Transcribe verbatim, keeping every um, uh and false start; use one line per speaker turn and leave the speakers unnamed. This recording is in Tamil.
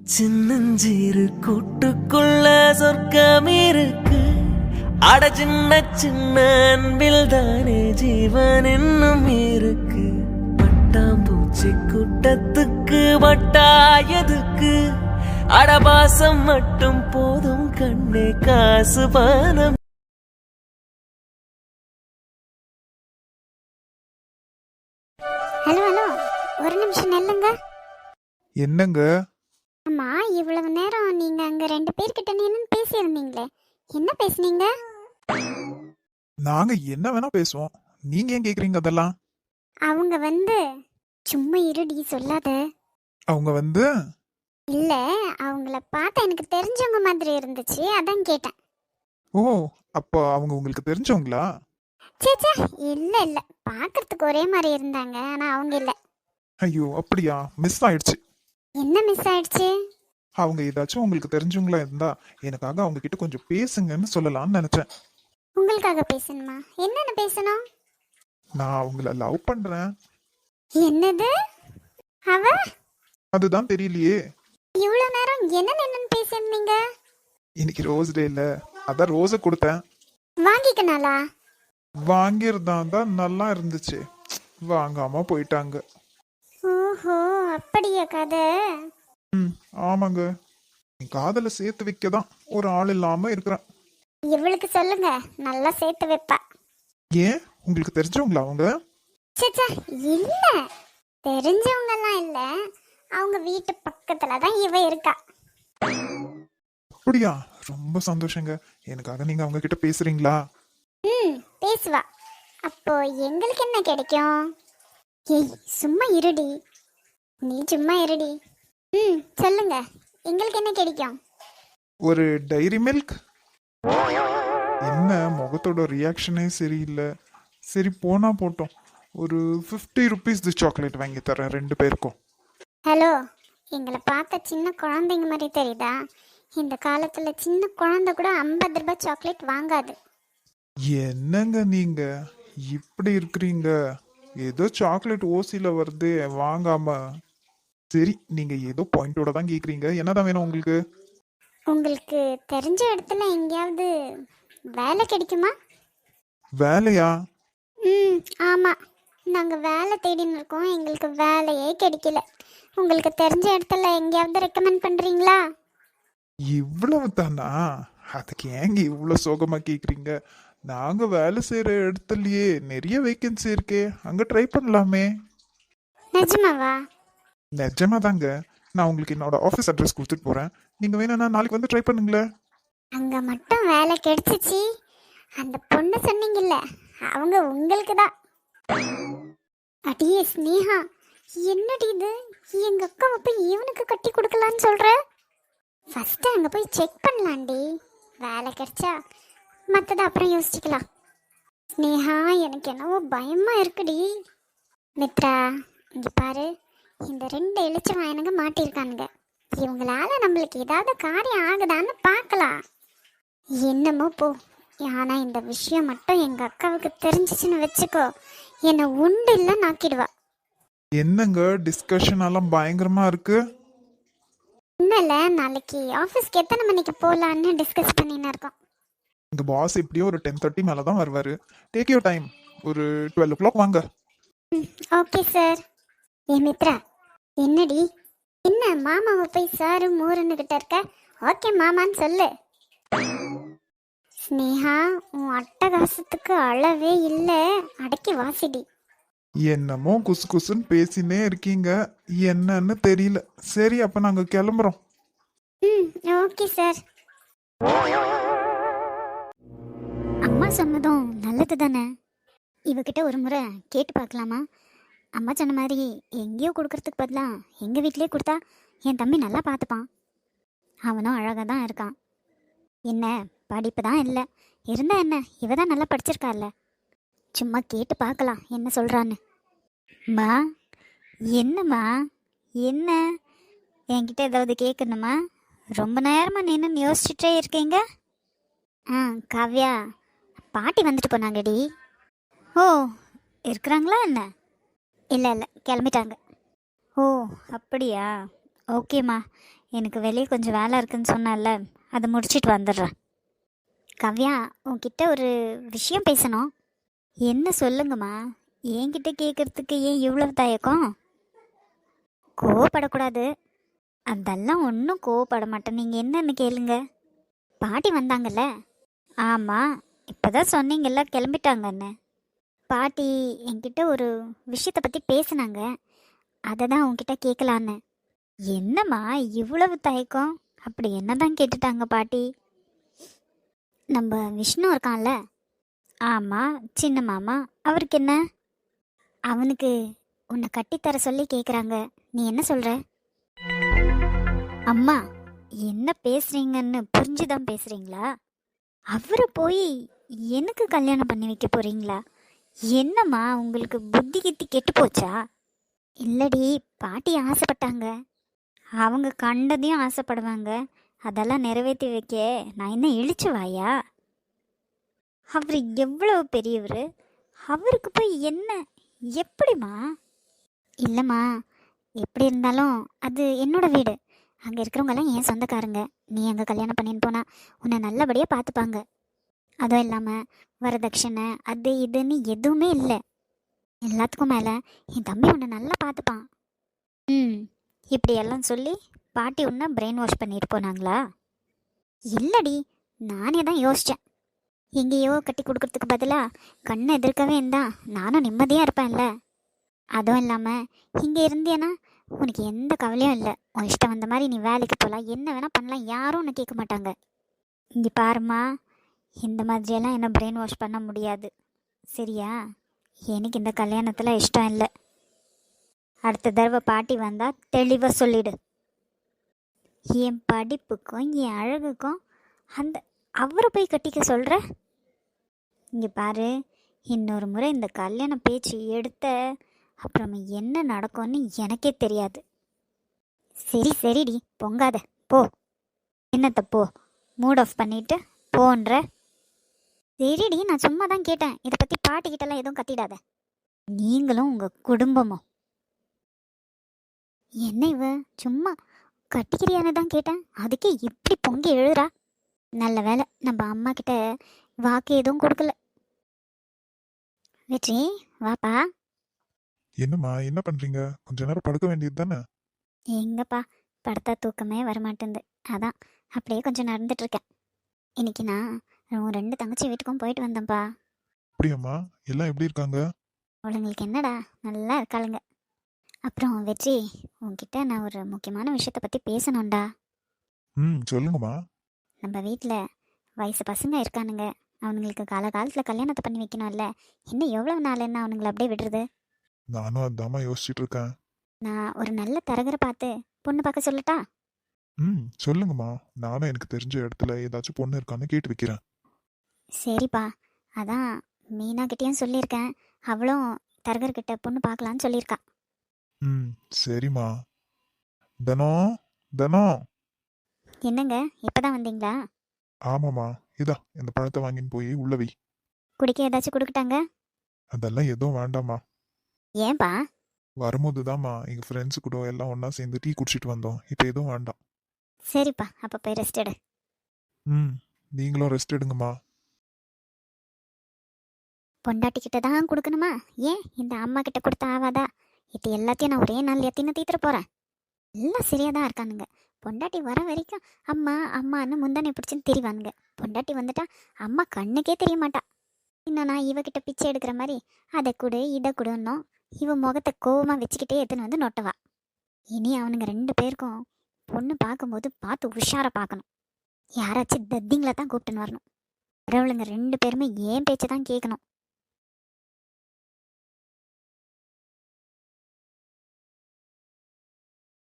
சின்னஞ்சிறு கூட்டுக்குள்ள சொர்க்கம் இருக்கு. அட சின்ன சின்ன அன்பில் தானே ஜீவன் இன்னும் இருக்கு. பட்டாம்பூச்சி கூட்டத்துக்கு வட்டாயதுக்கு அடபாசம் மட்டும் போதும் கண்ணே காசு பானம்.
ஹலோ ஹலோ ஒரு நிமிஷம் நில்லுங்க.
என்னங்க?
அம்மா, இவ்வளவு நேரம் நீங்க அங்க ரெண்டு பேர்கிட்ட நின்னு பேசியிருந்தீங்களே, என்ன பேசுனீங்க?
நாங்க என்ன வேணா பேசுவோம், நீங்க ஏன் கேக்குறீங்க அதெல்லாம்?
அவங்க வந்து சும்மா இருடி சொல்லாத.
அவங்க வந்து
இல்ல, அவங்கள பார்த்தா எனக்கு தெரிஞ்சவங்க மாதிரி இருந்துச்சு, அதான் கேட்டேன்.
ஓ, அப்போ அவங்க உங்களுக்கு தெரிஞ்சவங்களா?
சேச்சா, இல்ல இல்ல, பார்க்கறதுக்கு ஒரே மாதிரி இருந்தாங்க, ஆனா அவங்க இல்ல.
ஐயோ அப்படியா, மிஸ் ஆயிடுச்சு.
என்ன மிஸ் ஆயிடுச்சு?
அவங்க ஏதாச்சும் உங்களுக்கு தெரிஞ்சவங்களா இருந்தா எனக்காக அவங்க கிட்ட கொஞ்சம் பேசுங்கன்னு சொல்லலாம்னு நினைச்சேன்.
உங்களுக்காக பேசணுமா? என்னன்னு பேசணும்?
நான் அவங்கள லவ் பண்றேன்.
என்னது? அவ?
அதுதான் தெரியலையே.
இவ்வளவு நேரம் என்ன என்னன்னு பேசியிருந்தீங்க?
இன்னைக்கு ரோஸ் டே இல்ல, அதான் ரோஸை கொடுத்தேன்.
வாங்கிக்கனாலா?
வாங்கியிருந்தா தான் நல்லா இருந்துச்சு, வாங்காம போயிட்டாங்க.
ஓஹோ, அப்படியா கதை?
ம் ஆமாங்க, என் காதலை சேர்த்து வைக்க தான் ஒரு ஆள் இல்லாம இருக்கிறேன்.
இவளுக்கு சொல்லுங்க, நல்லா சேர்த்து வைப்பா.
ஏன், உங்களுக்கு தெரிஞ்சவங்களா அவங்க?
சேச்சா, இல்ல, தெரிஞ்சவங்க எல்லாம் இல்ல, அவங்க வீட்டு பக்கத்துல தான் இவ இருக்கா.
அப்படியா, ரொம்ப சந்தோஷங்க. எனக்காக நீங்க அவங்க கிட்ட பேசுறீங்களா?
ம், பேசுவா. அப்போ எங்களுக்கு என்ன கிடைக்கும்? ஏய், சும்மா இருடி, நீ சும்மா இருடி. ம், சொல்லுங்க, எங்களுக்கு என்ன கிடைக்கும்?
ஒரு டைரி மில்க். என்ன முகத்தோட ரியாக்ஷனே சரியில்லை. சரி போனா போட்டோம், ஒரு ஃபிஃப்டி ருபீஸ் சாக்லேட் வாங்கி தரேன் ரெண்டு பேருக்கும்.
ஹலோ, எங்களை பார்த்த சின்ன குழந்தைங்க மாதிரி தெரியுதா? இந்த காலத்துல சின்ன குழந்தை கூட ஐம்பது ரூபாய் சாக்லேட் வாங்காது.
என்னங்க நீங்க இப்படி இருக்கிறீங்க? ஏதோ சாக்லேட் ஓசில வருது வாங்காம. சரி, நீங்க ஏதோ பாயிண்டோட தான் கேக்குறீங்க, என்னதான் வேணும் உங்களுக்கு?
உங்களுக்கு தெரிஞ்ச இடத்துல எங்கேயாவது வேலை கிடைக்குமா?
வேலையா?
ம், ஆமாம், நாங்கள் வேலை தேடின்னு இருக்கோம், எங்களுக்கு வேலையே கிடைக்கல. உங்களுக்கு தெரிஞ்ச இடத்துல எங்கேயாவது ரெக்கமெண்ட் பண்ணுறீங்களா?
இவ்வளவு தானா? அதுக்கு ஏங்க இவ்வளவு சோகமா கேக்குறீங்க? நாங்க வேலை செய்யற இடத்துலயே நிறைய வேகன்சி இருக்கே, அங்க ட்ரை பண்ணலாமே.
நிஜமாவா?
நிஜமா தாங்க. நான் உங்களுக்கு என்னோட ஆஃபீஸ் அட்ரஸ் கொடுத்துட்டு போறேன், நீங்க வேணும்னா நாளைக்கு வந்து ட்ரை பண்ணுங்களேன்.
அங்கே மட்டும் வேலை கிடைச்சிச்சு, அந்த பொண்ணு சொன்னீங்கல்ல, அவங்க உங்களுக்கு தான். அடியே ஸ்னேகா, என்னடி இது? எங்க அக்காவை போய் இவனுக்கு கட்டி கொடுக்கலான்னு சொல்ற? ஃபர்ஸ்ட் அங்கே போய் செக் பண்ணலாண்டி, வேலை கிடைச்சா மற்றதை அப்புறம் யோசிச்சுக்கலாம். ஸ்னேகா, எனக்கு என்னவோ பயமா இருக்குடி. மித்ரா, இங்க பாரு, இந்த ரெண்டு எழுச்சம் எனக்கு மாட்டியிருக்கானுங்க, இவங்களால நம்மளுக்கு ஏதாவது காரியம் ஆகுதான்னு பார்க்கலாம். என்னமோ போ, ஆனா இந்த விஷயம் மட்டும் எங்க அக்காவுக்கு தெரிஞ்சிச்சுன்னு வச்சுக்கோ, என்னை உண்டு இல்லை நாக்கிடுவா.
என்னங்க டிஸ்கஷன் எல்லாம் பயங்கரமா இருக்கு?
இன்னல நாளைக்கு ஆஃபீஸ்க்கு எத்தனை மணிக்கு போகலான்னு டிஸ்கஸ் பண்ணின்னு இருக்கோம்.
இந்த பாஸ் எப்படியும் ஒரு டென் தேர்ட்டி மேல தான் வருவாரு. டேக் யூர் டைம், ஒரு டுவெல் ஓ கிளாக் வாங்க.
Okay sir. ஏ மித்ரா, என்னடி, என்ன மாமாவை போய் சாரு மூருன்னு கிட்ட இருக்க? ஓகே மாமான்னு சொல்லு. ஸ்னேகா, உன் அட்டகாசத்துக்கு அளவே இல்லை, அடக்கி வாசிடி.
என்னமோ குசு குசுன்னு பேசினே இருக்கீங்க, என்னன்னு தெரியல. சரி, அப்ப நாங்க கிளம்புறோம்.
ம், ஓகே சார். அம்மா சொன்னதும் நல்லது தானே, இவகிட்ட ஒரு முறை கேட்டு பார்க்கலாமா? அம்மா சொன்ன மாதிரி எங்கேயோ கொடுக்கறதுக்கு பதிலாக எங்கள் வீட்டிலே கொடுத்தா என் தம்பி நல்லா பார்த்துப்பான். அவனும் அழகாக தான் இருக்கான். என்ன படிப்பு தான் இல்லை, இருந்தா என்ன, இவ தான் நல்லா படிச்சிருக்காள்ல. சும்மா கேட்டு பார்க்கலாம் என்ன சொல்கிறான்னு. மா, என்னம்மா, என்ன என்கிட்ட ஏதாவது கேட்கணுமா? ரொம்ப நேரமாக நின்று யோசிச்சுட்டே இருக்கீங்க. ஆ காவ்யா, பாட்டி வந்துட்டு போனாங்கடி. ஓ, இருக்கிறாங்களா என்ன? இல்லை இல்லை, கிளம்பிட்டாங்க. ஓ அப்படியா, ஓகேம்மா. எனக்கு வெளியே கொஞ்சம் வேலை இருக்குன்னு சொன்னேன்ல, அதை முடிச்சிட்டு வந்துடுறேன். கவ்யா, உன்கிட்ட ஒரு விஷயம் பேசணும். என்ன சொல்லுங்கம்மா? என்கிட்ட கேட்கறதுக்கு ஏன் இவ்வளவு தயக்கம்? கோவப்படக்கூடாது. அதெல்லாம் ஒன்றும் கோவப்பட மாட்டேன். நீங்கள் என்னன்னு கேளுங்க. பாட்டி வந்தாங்கல்ல? ஆமாம், இப்போதான் சொன்னீங்கல்ல கிளம்பிட்டாங்கன்னு. பாட்டி என்கிட்ட ஒரு விஷயத்தை பற்றி பேசுனாங்க, அதை தான் உன்கிட்ட கேட்கலான்னு. என்னம்மா இவ்வளவு தயக்கம்? அப்படி என்னதான் கேட்டுட்டாங்க பாட்டி? நம்ம விஷ்ணு இருக்கான்ல? ஆமாம், சின்ன மாமா. அவருக்கு என்ன? அவனுக்கு உன்னை கட்டித்தர சொல்லி கேட்குறாங்க. நீ என்ன சொல்கிற? அம்மா, என்ன பேசுறீங்கன்னு புரிஞ்சுதான் பேசுறீங்களா? அவரை போய் எனக்கு கல்யாணம் பண்ணி வைக்க போறீங்களா? என்னம்மா உங்களுக்கு புத்தி கித்தி கெட்டு போச்சா? இல்லடி, பாட்டி ஆசைப்பட்டாங்க. அவங்க கண்டதையும் ஆசைப்படுவாங்க. அதெல்லாம் நிறைவேற்றி வைக்க நான் என்ன இழிச்சு வாயா? அவர் எவ்வளவு பெரியவர், அவருக்கு போய் என்ன? எப்படிம்மா? இல்லைம்மா, எப்படி இருந்தாலும் அது என்னோட வீடு. அங்கே இருக்கிறவங்கெல்லாம் என் சொந்தக்காரங்க. நீ அங்கே கல்யாணம் பண்ணின்னு போனா உன்னை நல்லபடியாக பார்த்துப்பாங்க. அதுவும் இல்லாமல் வரதட்சணை அது இதுன்னு எதுவுமே இல்லை. எல்லாத்துக்கும் மேலே என் தம்பி உன்னை நல்லா பார்த்துப்பான். ம், இப்படியெல்லாம் சொல்லி பாட்டி உன்னை பிரெயின் வாஷ் பண்ணிட்டு போனாங்களா? இல்லடி, நானே தான் யோசித்தேன். எங்கேயோ கட்டி கொடுக்கறதுக்கு பதிலாக கண்ணை எதிர்க்கவே இருந்தா நானும் நிம்மதியாக இருப்பேன்ல. அதுவும் இல்லாமல் இங்கே இருந்தேன்னா உனக்கு எந்த கவலையும் இல்லை. உன் இஷ்டம் வந்த மாதிரி நீ வேலைக்கு போகலாம், என்ன வேணால் பண்ணலாம், யாரும் உன்னை கேட்க மாட்டாங்க. இங்கே பாருமா, இந்த மாதிரியெல்லாம் என்ன பிரெயின் வாஷ் பண்ண முடியாது, சரியா? எனக்கு இந்த கல்யாணத்தில் இஷ்டம் இல்லை. அடுத்த தடவை பாட்டி வந்தால் தெளிவாக சொல்லிடு. என் படிப்புக்கும் என் அழகுக்கும் அந்த அவரை போய் கட்டிக்க சொல்கிற? இங்கே பாரு, இன்னொரு முறை இந்த கல்யாண பேச்சு எடுத்த அப்புறம் என்ன நடக்கும்னு எனக்கே தெரியாது. சரி சரிடி, பொங்காத போ. என்னத்த போ? மூட் ஆஃப் பண்ணிட்டு போன்ற. சரிடி, நான் சும்மா தான் கேட்டேன். இதை பற்றி பாட்டிக்கிட்டலாம் எதுவும் கத்திடாத. நீங்களும் உங்கள் குடும்பமும். என்ன இவ சும்மா கட்டிக்கிறியான்னு தான் கேட்டேன், அதுக்கே இப்படி பொங்கி எழுதுறா. நல்ல வேலை நம்ம அம்மா கிட்ட வாக்கு எதுவும் கொடுக்கல. வெற்றி, வாப்பா.
என்னம்மா, என்ன பண்றீங்க? கொஞ்ச நேரம் படுக்க வேண்டியது தானே?
எங்கப்பா, படுத்தா தூக்கமே வரமாட்டேங்குது. அதான் அப்படியே கொஞ்சம் நடந்துட்டு இருக்கேன். இன்னைக்கு நான் உன் ரெண்டு தங்கச்சி வீட்டுக்கும் போயிட்டு வந்தேன்ப்பா.
அப்படியாம்மா? எல்லாம் எப்படி இருக்காங்க?
அவளுங்களுக்கு என்னடா, நல்லா இருக்காளுங்க. அப்புறம் வெற்றி, உன்கிட்ட நான் ஒரு முக்கியமான விஷயத்தை பற்றி பேசணும்டா.
ம், சொல்லுங்கம்மா.
நம்ம வீட்டில் வயசு பசங்க இருக்கானுங்க. அவனுங்களுக்கு காலகாலத்தில் கல்யாணத்தை பண்ணி வைக்கணும்ல. இன்னும் எவ்வளோ நாள் என்ன அவனுங்களை அப்படியே விடுறது?
நானும் அதாம்மா யோசிச்சுட்டு இருக்கேன்.
நான் ஒரு நல்ல தரகரை பார்த்து பொண்ணு பார்க்க சொல்லட்டா?
ம், சொல்லுங்கம்மா. நானும் எனக்கு தெரிஞ்ச இடத்துல ஏதாச்சும் பொண்ணு இருக்கான்னு கேட்டு வைக்கிறேன்.
சரிப்பா, அதான் மீனாக்கிட்டேயும் சொல்லியிருக்கேன். அவளும் தரகர்கிட்ட பொண்ணு பார்க்கலான்னு சொல்லியிருக்கா.
ம், சரிம்மா. தனம், தனம்.
என்னங்க, இப்போதான் வந்தீங்களா?
ஆமாம்மா, இதா இந்த பழத்தை வாங்கின்னு போய் உள்ள வை.
குடிக்க ஏதாச்சும் கொடுக்கட்டாங்க?
அதெல்லாம் எதுவும் வேண்டாம்மா.
ஏன்பா?
வரும்போது தாம்மா எங்கள் ஃப்ரெண்ட்ஸு கூட எல்லாம் ஒன்றா சேர்ந்து டீ குடிச்சிட்டு வந்தோம். இப்போ எதுவும் வேண்டாம்.
சரிப்பா, அப்போ போய் ரெஸ்ட் எடு.
ம், நீங்களும் ரெஸ்ட் எடுங்கம்மா.
பொண்டாட்டிக்கிட்ட தான் கொடுக்கணுமா? ஏன் இந்த அம்மா கிட்ட கொடுத்தா ஆவாதா? இது எல்லாத்தையும் நான் ஒரே நாள் எத்தின தீத்துற போகிறேன். எல்லாம் சரியாக தான் இருக்கானுங்க. பொண்டாட்டி வர வரைக்கும் அம்மா அம்மான்னு முந்தானை பிடிச்சின்னு திரிவானுங்க. பொண்டாட்டி வந்துட்டா அம்மா கண்ணுக்கே தெரிய மாட்டா. இன்னும் நான் இவகிட்ட பிச்சை எடுக்கிற மாதிரி அதை கொடு இதை கொடுன்னோம். இவ முகத்தை கோவமாக வச்சுக்கிட்டே எடுத்துன்னு வந்து நொட்டவா. இனி அவனுங்க ரெண்டு பேருக்கும் பொண்ணு பார்க்கும்போது பார்த்து உஷாராக பார்க்கணும். யாராச்சும் தத்திங்களை தான் கூப்பிட்டுன்னு வரணும். வரவளுங்க ரெண்டு பேருமே ஏன் பேச்சை தான் கேட்கணும்.